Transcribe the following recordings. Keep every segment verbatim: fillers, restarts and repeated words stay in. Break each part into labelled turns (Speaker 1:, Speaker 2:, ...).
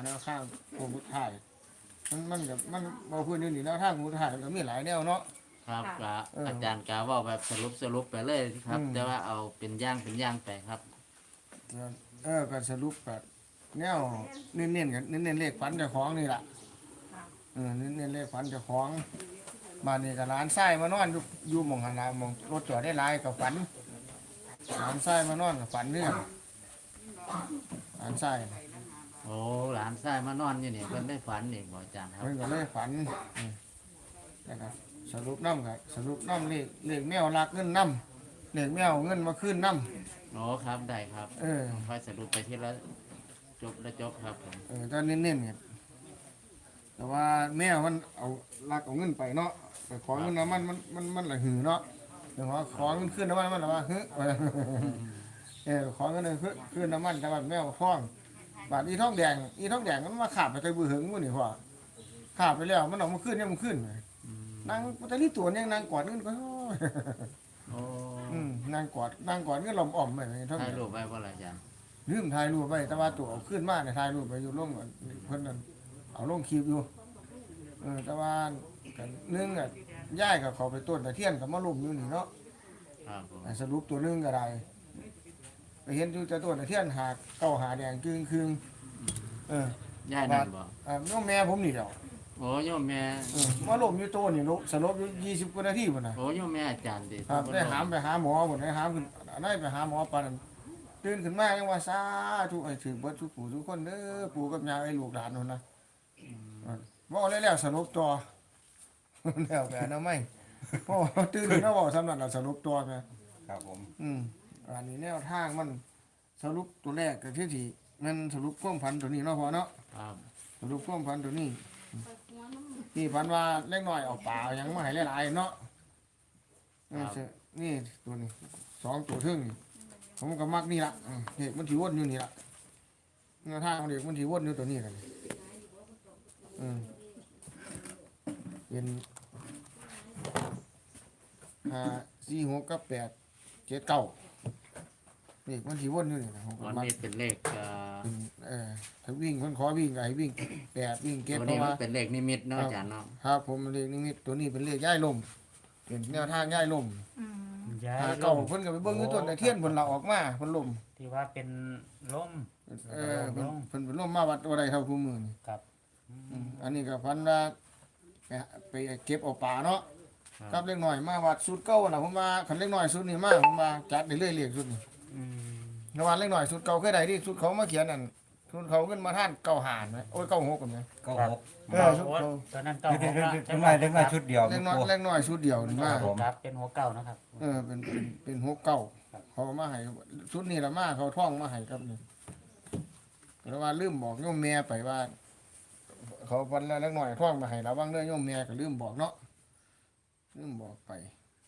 Speaker 1: แนวข้างโคมุถ่ายมันมันกับมันบ่พื้นอยู่นี่แนวทางโคมุถ่ายก็มีหลายแนวเนาะ
Speaker 2: ครับกะ
Speaker 1: เอออ
Speaker 2: อาจารย์กะว่าแบบสรุปสรุปไปเลยครับ
Speaker 1: อืม
Speaker 2: แต่ว่าเอาเป็นอย่างเป็นอย่างไปครับ
Speaker 1: เออก็สรุปก็แนวเน้นๆกันเน้นๆเลขฝันเจ้าของนี่ล่ะเออเน้นๆเลขฝันเจ้าของบ้านนี้ก็ร้านไส้มานอนอยู่อยู่หม่องหันหลายหม่องรถจอดได้หลายก็ฝันร้านไส้มานอนก็ฝันเนี่ยร้านไส้
Speaker 2: โอ้หลานชายมานอนอยู่นี่เพิ่นได้ฝันอีกบ่อาจารย์ครับ
Speaker 1: เพิ่นก็เลยฝันอืมนะครับสรุปน้ำก็สรุปน้ำเลขเลขแมวรักเงินน้ำเลขแมวเงินมาขึ้นน้ำ
Speaker 2: โอ้ครับได้ครับ
Speaker 1: เออ
Speaker 2: ค่อยสรุปไปทีละจบแล้วจบครับผม
Speaker 1: เออตอนเน้นๆเนี่ยแต่ว่าแมวมันเอาลักเอาเงินไปเนาะไปขอเงินน้ำมันมันมันมันละหือเนาะแต่ว่าขอเงินขึ้นน้ำมันมันละว่าเฮ้ยเออขอเงินขึ้นขึ้นน้ำมันแต่ว่าแมวท้องบาดอีท้องแดงอีท้องแดงมันมาขาบไปไกลบือหึงมันนี่พ่อขาบไปแล้วมันออกมาขึ้นเนี่ยมันขึ้นนางปัตตานีตัวเนี่ยนางกอดเงินก็
Speaker 2: โอ้
Speaker 1: อืมนางกอดนางกอดเงินลมอ่อมไปท้อง
Speaker 2: ถ่าย
Speaker 1: แดง
Speaker 2: รูปไว้บ่ล่ะอาจารย์
Speaker 1: ลืมถ่ายรูปไปแต่ว่าตัวเอาขึ้นมาเนี่ยถ่ายรูปไปอยู่ลงก่อนเพิ่นนั่นเอาลงคลิปอยู่เออแต่ว่ากันนึงอ่ะย้ายกับเขาไปต้นตะเทียนกับมาลุ่มอยู่นี่เนาะ
Speaker 2: ครับผม
Speaker 1: อ่ะสรุปตัวนึงก็ได้ไปเห็นอยู่แต่ต้นตะเทียนหาเก้าหาแดงกึ่งคืงเออย่
Speaker 2: ายนั่นบ่
Speaker 1: อ่าน้องแม่ผมนี่เดียว
Speaker 2: โอ้โยมแม่
Speaker 1: เออมาลุ่มอยู่ต้นนี่ลุสลบอยู่ยี่สิบกว่านาทีพุ่นน่ะ
Speaker 2: โอ้โยมแม่อาจารย์ดิ
Speaker 1: ครับได้หามไปหาหมอพุ่นได้หามขึ้นได้ไปหาหมอปานนั้นตื่นขึ้นมายังว่าสาธุให้ถึงเบิดทุกผู้ทุกคนเด้อปู่กับย่าไอ้ลูกหลานนู่นนะ บอกแล้วแล้วสรุปตัว แล้วแต่นะไม่พ่อตื่นแล้วบอกสำนักเราสรุปตัวไง
Speaker 3: ครับผม
Speaker 1: อืมอันนี้แนวทางมันสรุปตัวแรกกับที่ที่มันสรุปความพันตัวนี้เนาะพอเนาะ
Speaker 2: ครับ
Speaker 1: สรุปความพันตัวนี้นี่พันว่าเล็กน้อยเอาป่ายังไม่ให้หลายๆเนาะนี่เสนี่ตัวนี้สองตัวทึ่งนี่ผมก็มักนี่ละอืมเด็กมันถีวนอยู่นี่ละแนวทางของเด็กมันถีวนอยู่ตัวนี้กันอืมเป็นห้าสี่หกกับแปดเจ็ดเก้าเด็กมันถีวนอยู่นี่นะผมก็
Speaker 2: วัน
Speaker 1: มัก
Speaker 2: นี้เป็นเลขเอ่อ
Speaker 1: เป็นเออถ้าวิ่งคนขอวิ่งก็ให้วิ่งแปดวิ่งเก็ต
Speaker 2: ตัว
Speaker 1: เพ
Speaker 2: นี้
Speaker 1: ราะ
Speaker 2: มั
Speaker 1: ว่าน
Speaker 2: เป็นเลขนิมิตเนาะอาจารย์เนาะ
Speaker 1: ครับผมเลขนิมิตตัวนี้เป็นเลขย่ายลมเป็นแนวทางย่ายลม
Speaker 4: ย้าย
Speaker 1: หา
Speaker 4: ล
Speaker 1: เก่าม เพิ่นก็ไปเบิ่งอยู่ต้นตะเทียนเพิ่นเราออกมาเพิ่นลม
Speaker 4: ที่ว่าเป็นล่ม
Speaker 1: เออเพิ่นเพิ่นเป็นลมมาวัดบ่ได้เท่าคู่มือนี่
Speaker 4: ครับ
Speaker 1: อืมอันนี้ก็พันว่าไปหาไปเก็บเอาปลาเนาะกับเล็กน้อยมาวัดสุดเก่าน่ะผมว่าคันเล็กน้อยสุดนี่มาผมว่าจัดได้เลยเลขสุดนี่
Speaker 4: อืม
Speaker 1: ระหว่างเล็กน้อยสุดเก่าเคยได้ที่สุดเขามาเขียนนั่นสุดเขาขึ้นมาท่านเก้าหานไหมโอ้ยเก้าหกกันไหม
Speaker 3: เก้าหก
Speaker 1: เออสุด
Speaker 4: โอ้
Speaker 1: เก่า
Speaker 4: ตอนนั้นเก้า
Speaker 3: เด็ก
Speaker 4: หก
Speaker 3: เด็ก
Speaker 4: ละ
Speaker 3: เด็กน้อยเด็กน้อยชุดเดียว
Speaker 1: เล็กน้อย
Speaker 3: ครู
Speaker 1: เล็กน้อยชุดเดียวนี่มา
Speaker 3: ครับผม
Speaker 4: ครับเป็นหัวเก้านะครับ
Speaker 1: เออเป็นเป็นเป็นหกเก้าเขามาให้ชุดนี้ละมาเขาท่องมาให้ครับนี่แล้วว่าลืมบอกโยมแม่ไปว่า เขาวันละเล็กน้อยท่องมาให้เราบ้างเด้อโยมแม่ก็ลืมบอกเนาะลืมบอกไป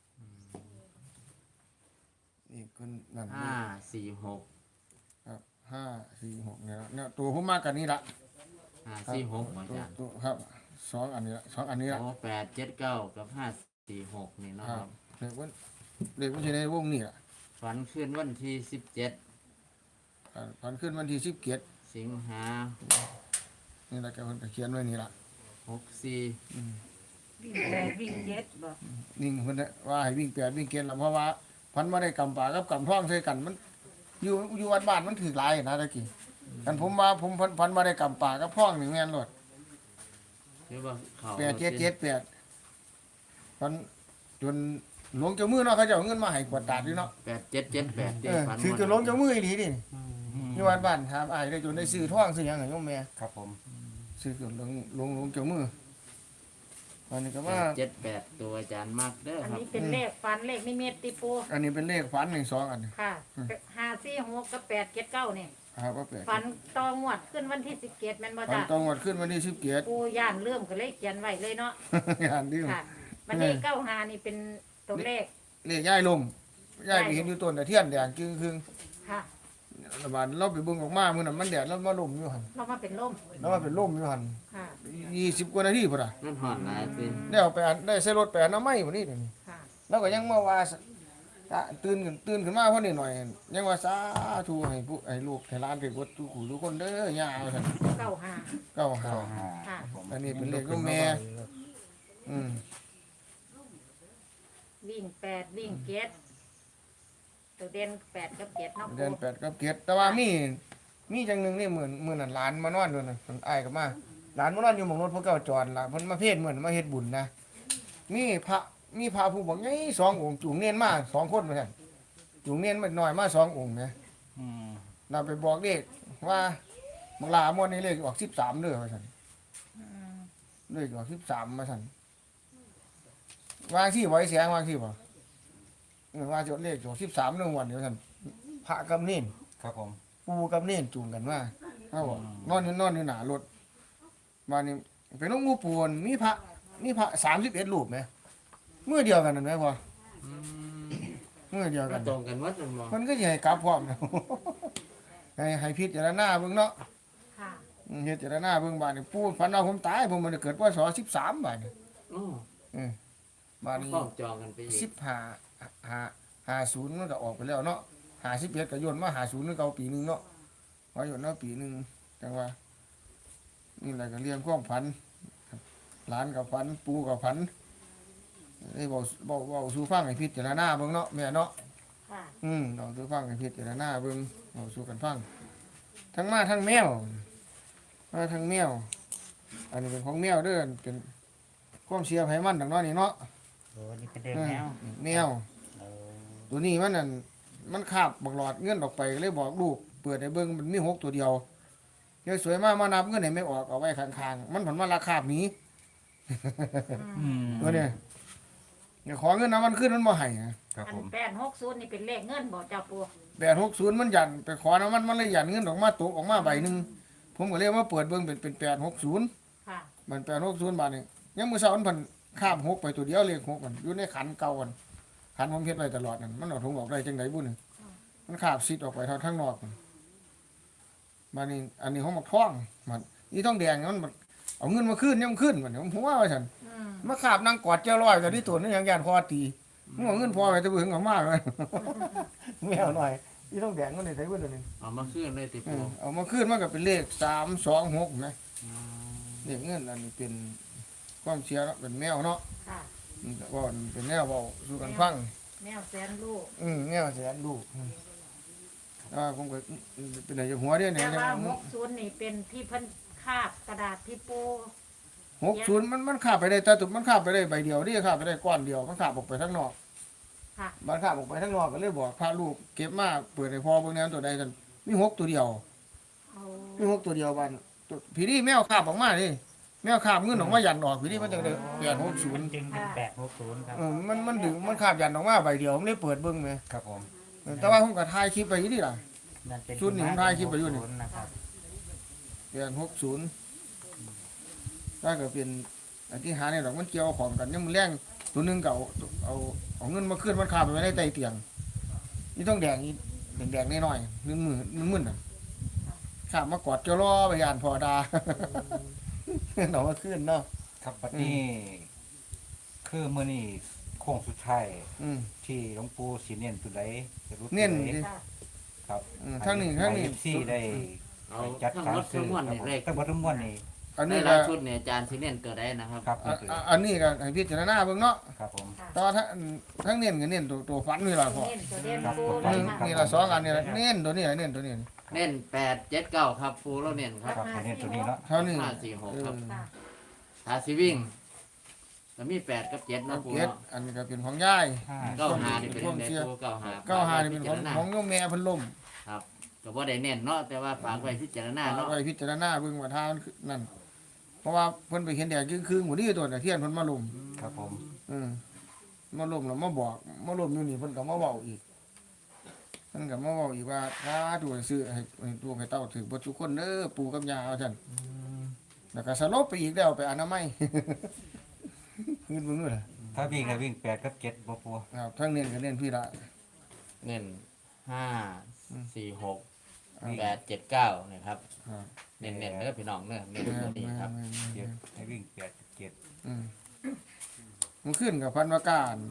Speaker 1: นี่คนนั่น
Speaker 2: ห้าสี่หก
Speaker 1: ครับห้าสี่หกเนี่ยเนี่ยตัวผมมากกันนี่ละ
Speaker 2: ห้าสี่หกบ่อา
Speaker 1: ตัว
Speaker 2: จารย์
Speaker 1: ตัวครับสองอันนี้ละสองอันนี้ละ
Speaker 2: โอ้แปดเจ็ดเก้ากับห้าสี่หกนี่เนาะ
Speaker 1: ค
Speaker 2: ค
Speaker 1: รั
Speaker 2: รั
Speaker 1: บบ เด็กวันเด็กวันที่ในวงนี่ละ
Speaker 2: ฝันขึ้นวันที่สิบเจ็ด
Speaker 1: อ่าตอนขึ้นวันที่สิบเกียรติ
Speaker 2: สิงหา
Speaker 1: นี่ละแกคนเขียนไว้นี่ละ
Speaker 2: หกสี่
Speaker 5: วิ่งแปดวิ่งเจ็ดบ่
Speaker 1: นิ่งคนน่ะว่าให้วิ่งแปดวิ่งเกียรติละเพราะว่าพันมาได้กำป่ากับกำท่องใส่กันมัน อยู่อยู่วัดบ้านมันถือหลายนะตะกี้กันผมว่าผมพันพันมาได้กำป่ากับท่องหนึ่งแม่นรถ
Speaker 2: หรือว่าเขา
Speaker 1: แปดเจ็ดเจ็ดแปดพันจนหลวงเจ้ามือเนาะเขาจะเอาเงินมาให้กวดตาดอยู่เนาะ
Speaker 2: แปดเจ็ดเจ็ดแปด
Speaker 1: เอ
Speaker 2: ที่
Speaker 1: อ
Speaker 2: ฝัน
Speaker 1: ถือจนหลวงเจ้ามืออีหลีดิ
Speaker 4: อืม
Speaker 1: อยู่วัดบ้านครับอ้ายได้จนได้ซื้อท่องซื้อหยังให้โยมแม่
Speaker 3: ครับผม
Speaker 1: ซื้อจนหลวงหลวงหลวงเจ้ามืออันนี้ก็
Speaker 2: แป
Speaker 1: ว่า
Speaker 2: ดเจ็ดแปดตัวอาจารย์มากเด้อ
Speaker 5: อัน
Speaker 2: ครับ
Speaker 5: นี้เป็นเลขฟันเลขนิมิตติปู
Speaker 1: อันนี้เป็นเลขฝันหนึ่งสองอันนี้
Speaker 5: ค่ะห้าสี่หกกับแปดเจ็ดเก้าเนี่ย
Speaker 1: ครับว่าแปด
Speaker 5: ฟันตองวดขึ้นวันที่สิบเจ็ดแม่นบ่
Speaker 1: ฝัน
Speaker 5: จ้ะ
Speaker 1: ตองวัดขึ้นวันที่สิบเกียรติ
Speaker 5: ปูย่านเริ่มก็เลยเขียนไว้เลยเนาะ
Speaker 1: งานดิ้ว
Speaker 5: ค่ะวันนี้เก้าหานี่เป็นตัวเลข
Speaker 1: เลขย่ายลมย่ายไปเห็นอยู่ต้นตะเทียนแดงจึงครึ่ง
Speaker 5: ค่ะ
Speaker 1: ระบาดเราไปเบิ่งออกมามื้อนั้นมันแดดแล้วมาลมอยู่หั่น
Speaker 5: เรามาเป็นลม
Speaker 1: แล้วมาเป็นลมอยู่หั่น
Speaker 5: ค่ะ
Speaker 1: ยี่สิบกว่านาทีพุ่นน่ะ
Speaker 2: นั่นหอดหลายสิ
Speaker 1: ได้เอาไปอันได้ใส่รถไปอันน้ำไม้พุ่นนี่เดี๋ยวนี้
Speaker 5: ค่ะ
Speaker 1: แล้วก็ยังมาว่าอ่ะตื่นขึ้นตื่นขึ้นมาพอนิดหน่อยยังว่าสาธุให้ผู้ให้ลูกให้หลานเป็นกดทุกขู่ทุกคนเด้อย่าว่าซั่น
Speaker 5: เก้าห้า
Speaker 1: เก้าหา
Speaker 5: ค่ะ
Speaker 1: อันนี้เป็นเลขลูกแม่ อืม
Speaker 5: วิ่งแปดวิ่งเจ็ดตัวเด่นแปดกับเจ็ดเนาะ
Speaker 1: เดือนแปดกับเจ็ดแต่ว่ามีมีจังหนึงนี่เหมือนเหมือนหลานมานอนด้วยนะเพิ่นอ้ายก็มาหลานมานอนอยู่หม่องรถพวกเก่าจอดล่ะเพิ่นมาเพศเหมือนมาเฮ็ดบุญนะมีพระมีพระผู้บอกไงสององค์จูงเนียนมาสองคนเหมือนกันจูงเนียนมาหน่อยมาสององค์นะ
Speaker 4: อืม
Speaker 1: เราไปบอกเลขว่าบังลามวนนี่เลขออกสิบสามเด้อว่าซั่น
Speaker 5: อืม
Speaker 1: เลขออกสิบสามมาซั่นวางที่ไว้เสียงวางที่บ่เออว่าจดเลขออกสิบสามเรื่องวันเดียวซั่นพระกับเนน
Speaker 4: ครับผม
Speaker 1: ปูกับเนนจูงกันมาเขาบอกนอนอยู่นอนอยู่หน้ารถมานี่เป็นน้องงูปูนมีพระมีพระสามสิบเอ็ดรูปไหมเมื่อเดียวกันนั่นไหมพ่อ
Speaker 2: อืม
Speaker 1: เมื่อเดียวกั
Speaker 2: มาน ตรงกันหมดนั่นบ่
Speaker 1: มันก็สิให้กลับพร้อมนะ ให้ให้พิจารณาเบิ่งเนาะ
Speaker 5: ค่ะ
Speaker 1: อืมพิจารณาเบิ่งบาดนี่ปูฝันเอาผมตายผมมันเกิดพศสิบสามบาดนี่
Speaker 2: โอ้
Speaker 1: เออ บาดนี้
Speaker 2: ต้องจองกันไปอี
Speaker 1: สิ
Speaker 2: ก
Speaker 1: บห้าห้าห้าศูนย์มันก็ออกไปแล้วเนาะห้าสิบเอ็ดก็โยนมาห้าศูนย์นึงเก่าปีหนึงเนาะพอโยนเนาะปีหนึงจังว่านี่แหละก็เรียงความฝันหลานกับฝันปูกับฝันได้บอกบอกบอกสู่ฟังให้พิจารณาเบิ่งเนาะแม่เนาะ
Speaker 5: ค่ะ
Speaker 1: อืมลองสู่ฟังให้พิจารณาเบิ่งเอาสู่กันฟังทั้งมาทั้งแมวมาทั้งแมว อันนี้เป็นของแมวเด้อเป็นความเชื่อไผมันดังเน้อยนี่เนาะ
Speaker 4: โอ้นี่เป็นเด็กแมว
Speaker 1: เออแมว
Speaker 4: เออ
Speaker 1: ตัวนี้มันนั่นมันคาบบักหลอดเงินออกไปก็เลยบอกลูกเปิดให้เบิ่งมันมีหกตัวเดียวเดี๋ยวสวยมากมานับเงินให้ไม่ออกเอาไว้ข้างๆมันผลมาราคาบหนี้
Speaker 4: อืม
Speaker 1: ตัวเนี้ยเดี๋ยวขอเงินนะมันขึ้นมันบ่ให้อะ
Speaker 4: ครับ
Speaker 5: อั
Speaker 4: ผ
Speaker 5: น
Speaker 4: ม
Speaker 5: แปดหกศูนย์นี่เป็นเลขเงินบ่เจ้าปู
Speaker 1: แปดหกศูนย์มันหยันไปขอนะมันมันเลยหยันเงินออกมาตกออกมาใบหนึ่งผมก็เลยมาเปิดเบิ่งเป็นเป็นแปดหกศูนย์
Speaker 5: ค่ะ
Speaker 1: มันแปดหกศูนย์บาทนี่ยังมือเช้ามันเพันข้ามหกไปตัวเดียวเลขหกมันอยู่ในขันเก่ากันขันผมเฮ็ดไว้ตลอดนั่นมันเอาถุงออกได้จังไดบุ่นมันขาบซิดออกไปทางข้างนอกมันบานี้อันนี้เขามาท่องมันนี่ท่องแดงมันมันเอาเงินมาขึ้นยังขึ้นมันผมหัวว่าฉัน
Speaker 5: อืม
Speaker 1: มาขาบนางกอดเจ้าร้อยแต่ที่ตัวนี่ยังยานคอตีมึงเอาเงินพอไปจะเบื่อของมากเลย ไม่เอาหน่อยนี่ท่องแดงมันได้ใช้เบิ่นตัวนี้
Speaker 2: เอามาคืนเลยติ
Speaker 1: เอ
Speaker 2: ปู
Speaker 1: อเอามาขึ้นมันก็เป็นเลขสามสองหกนะ
Speaker 2: อืม
Speaker 1: เลขเงินอันนี้เป็นความเชื่อเนาะเป็นแมวเนาะ
Speaker 5: ค่ะ
Speaker 1: อืมว่าเป็นแนวเบาสู่กันฟัง
Speaker 5: แมวแสนลูก
Speaker 1: อืมแนวแสนดูอืมอ่าผมก็เป็นไหนจะหัวเดียวเนี่ย
Speaker 5: แต่
Speaker 1: จะ
Speaker 5: ว่าหกศูนย์นี่เป็นที่เพิ่นคาบกระดาษที่ปู
Speaker 1: หกศูนย์มันมันขาบไปได้แต่ตุกมันขาบไปได้ใบเดียวนี่ขาบไปได้ก้อนเดียวมันขาบออกไปข้างนอก
Speaker 5: ค่ะ
Speaker 1: มันขาบออกไปข้างนอกก็เลยบอกพาลูกเก็บมาเปิดให้พ่อเบิ่งแนวตัวใดกันมีหกตัวเดียว
Speaker 5: เอา
Speaker 1: มีหกตัวเดียวบ้านตัวผีนี่แมวขาบออกมาดิแมวขาบเงินออกมายันออกผีนี่มันจะได้แปดหกศูนย์
Speaker 4: จึงเป็นแปดหกศูนย์ครับ
Speaker 1: เออมันมันดึงมันขาบยันออกมาใบเดียวผมเลยเปิดเบิ่งไหม
Speaker 4: ครับผม
Speaker 1: เออแต่ว่าผมก็ถ่ายคลิปไปอยู่นี่ล่ะ
Speaker 4: นั่นเป็น
Speaker 1: ชุดนี้ผมถ่ายคลิปไปอยู่นี่
Speaker 4: ศูนะครับ
Speaker 1: แปดหกศูนย์ถ้าเกิดเป็นอธิหารเนี่ยดอกมันเกี่ยวของกันยังมันแรงตัวหนึงก็เอาเอาเอาเงินมาขึ้นมันขาบไปไว้ในใต้เตียงนี่ต้องแดงนี่แดงๆน้อยๆนึ่งมือนึ่งมือน่ะขาบมากอดเจ้ารอไปยานพอดา เอามาขึ้นเนาะ
Speaker 3: ครับบัดนี้คือมื้อนี้โค้งสุดท้าย
Speaker 1: อืม
Speaker 3: ที่หลวงปู่สิเน้นตัวใดจะรู้ตัว
Speaker 1: เน้น
Speaker 3: ใด
Speaker 1: ดิ
Speaker 5: ค่ะ
Speaker 3: ครับ
Speaker 1: อืมทั้งนี้ทั้งนี้
Speaker 3: ที่ได้
Speaker 2: เอา
Speaker 3: จัด
Speaker 2: ทั้ง
Speaker 3: การ
Speaker 2: หมด
Speaker 3: ซื้
Speaker 2: ทั้
Speaker 3: อง
Speaker 2: มวล
Speaker 3: ครับ
Speaker 2: นี่
Speaker 3: ผม
Speaker 2: เลข
Speaker 3: ทั้งหมดทั้งมวลนี่
Speaker 1: อัน
Speaker 2: ใน
Speaker 1: นี้
Speaker 2: ราย
Speaker 1: ก็
Speaker 2: ชุดเนี่ยอาจารย์สิเน้นตัวใดนะครับ
Speaker 3: ครับ
Speaker 1: อ่ะ
Speaker 3: นี่คือ
Speaker 1: อ่ะอันนี้ก็ให้พิจารณาเบิ่งเนาะ
Speaker 3: ครับผม
Speaker 5: ค่ะ
Speaker 1: แต่ว่าทั้งทั้งเน้นก็เน้นตัวตัวฟันนี่ล่ะพ่อ
Speaker 5: เน้นตัวเด่น
Speaker 3: ครับ
Speaker 5: ปู
Speaker 3: ผม
Speaker 5: เล
Speaker 1: นี่
Speaker 5: ยค่ะ
Speaker 1: นี่ละสองอันนี่ละเน้นตัวนี้เน้นตัวนี้
Speaker 2: เน้นแปดเจ็ดเก้าครับปูเราเน้นครับ
Speaker 3: ครับให้เน้นตัวนี้เนาะ
Speaker 1: เท่านี้
Speaker 2: ห้าสี่หกครับ
Speaker 1: เออ
Speaker 5: ค่ะ
Speaker 2: ถ้าสิวิ่งก็มีแปดกับเจ็ด
Speaker 1: เอา
Speaker 2: เนาะปู
Speaker 1: เก็ด
Speaker 2: เนาะ
Speaker 1: อันนี้ก็เป็นของยาย
Speaker 3: ห้า
Speaker 2: เก้าหานี่เป็นเด็กปูเก้าหา
Speaker 1: เก้าหานี่เป็นของ
Speaker 2: พิจารณา
Speaker 1: ของโยมแม่เพิ่นล่ม
Speaker 2: ครับก็บ่ได้เน้นเนาะแต่ว่าฝากไว้พิจารณา
Speaker 1: เอา
Speaker 2: เนาะ
Speaker 1: ไว้พิจารณาเบิ่งว่าทางมันคือนั่นเพราะว่าเพิ่นไปเห็นแดดครึ่งๆหมดนี่ตัวน่ะเทียนเพิ่นมาล่ม
Speaker 3: ครับผม
Speaker 1: อืมมาล่มแล้วมาบอกมาล่มอยู่นี่เพิ่นก็มาเว้าอีกเพิ่นก็มาเว้าอีกว่าถ้าตัวซื้อให้ให้ตัวให้เต้าถือบ่ทุกคนเด้อปู่กับย่าว่าซั่นแล้วก็สลบไปอีกแล้วไปอนามัย เงินมึงด้วยล่ะ
Speaker 3: ถ้าวิ่งก็วิ่งแปดกับเจ็ดบ่ปู่
Speaker 1: ครับทั้งเน้นก็เน้นพี่ละ
Speaker 2: เน้นห้าสี่หก
Speaker 1: อืม
Speaker 2: แปดเจ็ดเก้านะครับ
Speaker 1: ครับ
Speaker 2: เน้นเน้นเด้อพี่น้องเน้อเน้น
Speaker 1: แม่
Speaker 2: ตัวนี้ครับ
Speaker 1: แม่แม่
Speaker 3: เจ็
Speaker 1: แม่
Speaker 3: ดให้วิ่งแปดกับเจ็ด
Speaker 1: อืมมันขึ้นกับพันวาการ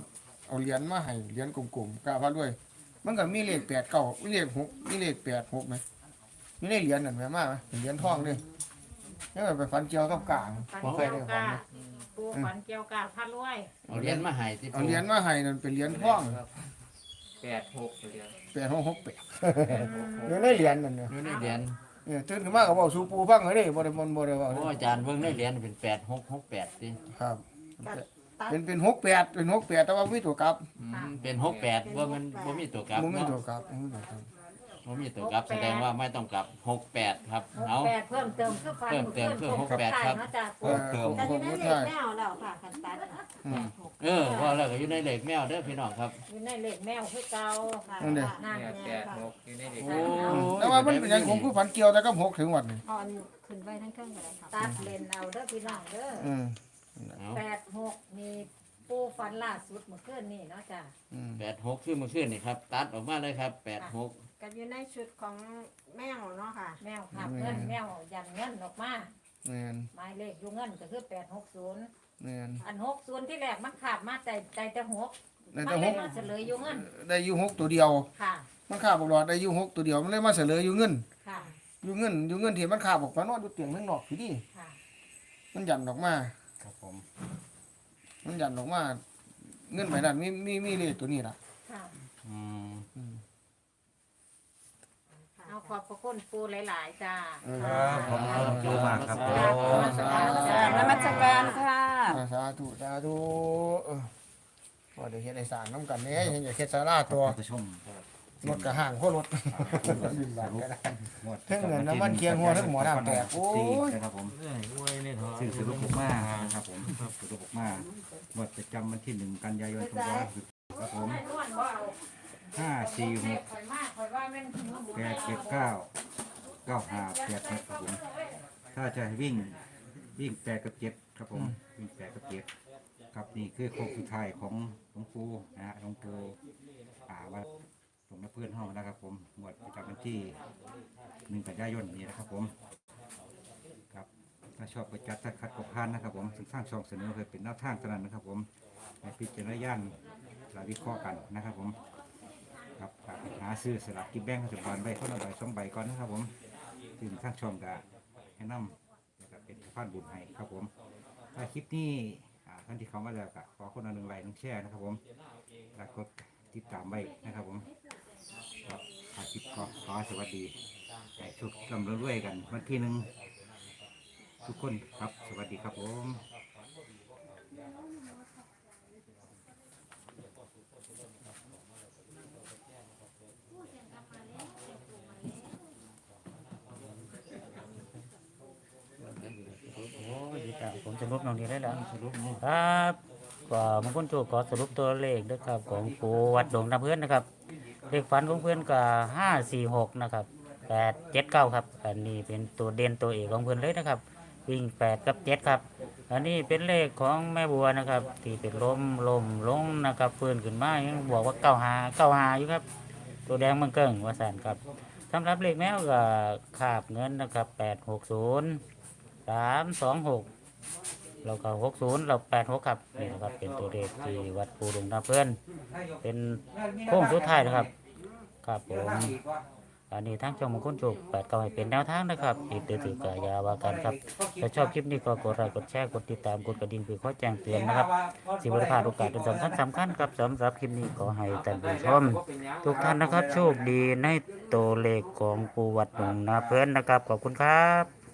Speaker 1: เอาเหรียญมาให้เหรียญกลมๆกะว่าด้วยมันก็มีเลขแปดเก้ามีเลขหกมีเลขแปดหกไหมมีเลขเหรียญนั่นแม่มาไหมเป็นเหรียญทองเด้แล้วก็ไปฝันเกี่ยวกับกลาง
Speaker 5: ฝัน
Speaker 1: บ่เคย
Speaker 5: เกี่ย
Speaker 1: ได้
Speaker 5: ว
Speaker 1: ฝัน
Speaker 5: กา
Speaker 1: นะ
Speaker 5: ปูฝันเกี่ยวกาพระรวย
Speaker 2: เอาเหรียญมาให้ที่
Speaker 1: เอาเหรียญมาให้นั่นเป็นเหรียญทอง
Speaker 6: แปดหกเหรียญ
Speaker 1: แปดหกหกแปดเดี๋ยวได้เหรียญนั่นเนี่ย
Speaker 2: อยู่ในเหรียญ
Speaker 1: เนี่ยตื่นขึ้นมาก็บอกสู่ปูฟังเลยเด้บ่ได้บ่บ่ได้เว้า
Speaker 2: โอ้อาจารย์เบิ่งในเหรียญเป็นแปดหกหกแปดสิ
Speaker 1: ครับ เป็นเป็นหกแปดเป็นหกแปดแต่ว่ามีตัวกลับ
Speaker 2: อืมเป็นหกแปดว่ามันบ่มีตัวกลับ
Speaker 1: บ่มี
Speaker 2: เนาะ
Speaker 1: ตัวกลับบ่มีตัวกลับ
Speaker 2: บ่มีตัวกลับแสดงว่าไม่ต้องกลับหกแปดครับ
Speaker 5: หก
Speaker 2: เอา
Speaker 5: แปดเพิ่มเติมคือฟัน
Speaker 2: เพิ่มเติมคือหกแปดครับ
Speaker 5: เนาะจ้ะ
Speaker 1: เอ
Speaker 5: ปู
Speaker 1: อ
Speaker 3: เติม
Speaker 1: ผม
Speaker 7: แต่
Speaker 1: ผม
Speaker 7: ที่นั่น
Speaker 1: บ่
Speaker 7: เล
Speaker 1: ใช่
Speaker 7: ขแมวแล้วค่ะคันตัด
Speaker 1: อืม
Speaker 2: เออว่าแล้วก็อยู่ในเหล็กแมวเด้อพี่น้องครับ
Speaker 5: อยู่ในเลขแมวคือเก่า
Speaker 7: ค่ะ
Speaker 1: นั่นเด้
Speaker 5: นั่น
Speaker 6: เนี่ย
Speaker 5: แห
Speaker 6: แป
Speaker 5: ละ
Speaker 6: ดหกอยู่ในเด็ก
Speaker 2: โอ้
Speaker 1: แต่ว่ามันเป็นอย่างผมคือฝันเกี่ยวแต่ก็หกถึงวันนี้
Speaker 7: เอ่อนขึ้นไปทั้งเครื่องเลยค่ะ
Speaker 5: ตัดเลนเอาเด้อพี่น้องเด้อ
Speaker 1: อืม
Speaker 2: เอา
Speaker 5: แปดหกนี่ปูฝันล่าสุดเมื่อคืนนี่เนาะจ้ะ
Speaker 1: อืม
Speaker 2: แปดหกคือเมื่อคืนนี่ครับ ตัดออกมาเลยครับแปดหก
Speaker 7: กับอยู่ในชุดของแมวเนาะค่ะ
Speaker 5: แมวขับเงินแมวยันเงินออกมา
Speaker 1: แม่น
Speaker 5: หมายเลขอยู่เงินก็คือแปดหกศูนย์
Speaker 1: แม่น
Speaker 5: อันหกศูนย์ที่แรกมันขาบมาใจใจแต่หก
Speaker 1: ได้
Speaker 5: มัน
Speaker 1: แต่
Speaker 5: เล
Speaker 1: ห
Speaker 5: ย
Speaker 1: ก
Speaker 5: มาเฉลยอยู่เงิน
Speaker 1: ได้อยู่หกตัวเดียว
Speaker 5: ค่ะ
Speaker 1: มันขาบบอกหลอดได้อยู่หกตัวเดียวมันเลยมาเสลยอยู่เงิน
Speaker 5: ค่ะ
Speaker 1: อยู่เงินอยู่เงินที่มันขาบออกมานอนอยู่เตียงข้างนอกพี่ดิ
Speaker 5: ค่ะ
Speaker 1: มันหยันออกมา
Speaker 3: ครับผม
Speaker 1: มันหยันออกมาเงินไปนั่นมีมีมีเลขตัวนี้ล่ะ
Speaker 5: ค่ะ
Speaker 2: อืม
Speaker 1: อืม
Speaker 5: เอาขอบพระคุณปูหลาย ๆ จ้า
Speaker 1: เออ
Speaker 3: ครับผมขอบคุณมากครับผม
Speaker 1: สาธุ
Speaker 7: กราบนมัสการค่ะ
Speaker 1: สาธุสาธุเออว่าเดี๋ยวเฮ็ดไอ้สารน้ำกันเนี่ยเห็นอย่าเฮ็ดสาราตัว
Speaker 3: ท่านผู้ชม
Speaker 1: รถกระห่างโคตรรถดินบาดก็ได้
Speaker 3: งวด
Speaker 1: เทั้งเงินน้ำมันเคียงหัวเทั้งหมอน้ำแตกโอ้ย
Speaker 3: นะครับผม
Speaker 2: เอ้ยอวยนี่เถอะ
Speaker 3: สื่อสรุปออกมานะครับผมสรุปออกมางวดประจำวันที่หนึ่งกันยายนสองพันห้าร้อยหกสิบครับผม
Speaker 5: ให้นวลว่าเอา
Speaker 3: ห้าสี่หก
Speaker 5: ข่อยมากข่อยว่าแม่น
Speaker 3: แปดเจ็ดเก้าเก้าห้าแปดหกครับผมถ้าจะให้วิ่งวิ่งแปดกับเจ็ดครับผมวิ่งแปดกับเจ็ดครับนี่คือโค้งสุดท้ายของหลวงปู่นะฮะหลวงปู่อ่าวัดหลวงน้าเพื่อนห้องนะครับผมงวดประจำวันที่หนึ่งกันยายนนี้นะครับผมครับถ้าชอบไปจัดถ้าคัดกบพานนะครับผมซึ่งสร้างช่องเสนอเคยเป็นแนวทางเท่านั้นนะครับผมในพิจารณาญาณและวิเคราะห์กันนะครับผม ครับฝากไปหาซื้อสลากกินแบ่งรัฐบาลใบคนละใบสองใบก่อนนะครับผมถึงข้างชมกะแนะนำนะครับเป็นสะพานบุญให้ครับผมถ้าคลิปนี้อ่าท่านที่เขามาแล้วกะขอคนละหนึ่งไลค์หนึ่งแชร์นะครับผมแล้วกดติดตามไว้นะครับผมครับถ้าคลิปก็ขอสวัสดีให้ชุกกำลังรวยกันวันที่หนึ่งทุกคนครับสวัสดีครับผม
Speaker 4: โอ้ยดีจังผมสรุปน้องนี้ได้แล้ว
Speaker 2: สรุปนี่
Speaker 4: ครับก็มงคลโจขอสรุปตัวเลขนะครับของปูวัดดงน้ำเพื่อนนะครับเลขฝันของเพื่อนก็ห้าสี่หกนะครับแปดเจ็ดเก้าครับอันนี้เป็นตัวเด่นตัวเอกของเพื่อนเลยนะครับ วิ่งแปดกับเจ็ดครับ อันนี้เป็นเลขของแม่บัวนะครับ ที่เป็นลมลมลงนะครับเพื่อนขึ้นมายังบอกว่าเก้าหาเก้าหาอยู่ครับ ตัวแดงมันเกิ่งว่าสันครับสำหรับเลขแมวก็ขาบเงินนะครับแปดหกศูนย์สามสองหกเราก็หกศูนย์เราแปดหกครับนี่นะครับเป็นตัวเลขที่วัดปูดงนาเพื่อน เป็นโค้งสุดท้ายนะครับ ครับผมอันนี้ทั้งช่องมงคลจุกแปดเก้าให้เป็นแนวทางนะครับติดตือถือกายาวากันครับถ้าชอบคลิปนี้ก็กดไลค์กดแชร์กดติดตามกดกระดิ่งเพื่อข้อแจ้งเตือนนะครับสิบริพลาดโอกาสเป็นสำคัญสำคัญครับสำหรับคลิปนี้ขอให้ท่านผู้ชมทุกท่านนะครับโชคดีในตัวเลขของปูวัดหนองนาเพื่อนนะครับขอบคุณครับ